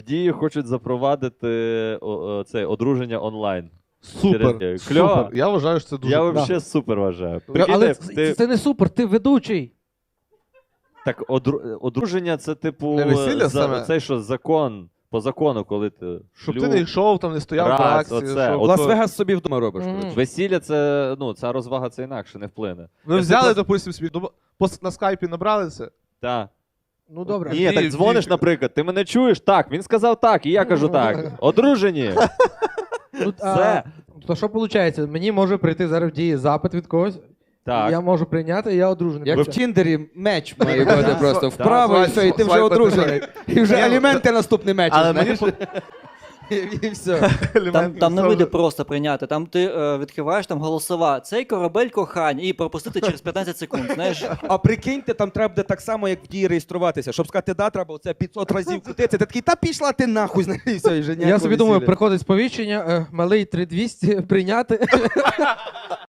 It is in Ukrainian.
Дії хочуть запровадити це одруження онлайн. Супер, Кльово. супер. Я вважаю, що це дуже Я круто. взагалі супер вважаю. Але Прикиньте, це не супер, ти ведучий. Так, одруження це типу Не весілля саме? це що закон, по закону, коли ти Щоб шлюб, ти не йшов, там не стояв раз, по акції. оце, щоб- от- Лас-Вегас собі вдома робиш. Мгм. коротше. весілля це, ну, ця розвага це інакше не вплине. Ви взяли, допустим, собі, на скайпі набрали це? Так. Ну добре. Ні, так Дій, дзвониш, дій. наприклад, ти мене чуєш? Так, він сказав так, і я кажу так. Одружені. Ну, Все. то що виходить? Мені може прийти зараз в дії запит від когось, Так. я можу прийняти, і я одружений. Як в Тіндері меч має бути просто вправо, і все, і ти вже Свайпати. одружений. І вже аліменти наступний меч. Але мені І все. Там не вийде просто прийняти. Там ти відкриваєш там голосова. Цей корабель кохань і пропустити через 15 секунд. Знаєш, А прикиньте, там треба буде так само, як в дії реєструватися. Щоб сказати да, треба оце 500 разів крутитися. Ти такий, та пішла ти нахуй, знаєш, і все, і вже Я ніякого собі думаю, весілля. приходить сповіщення, малий 3200 прийняти.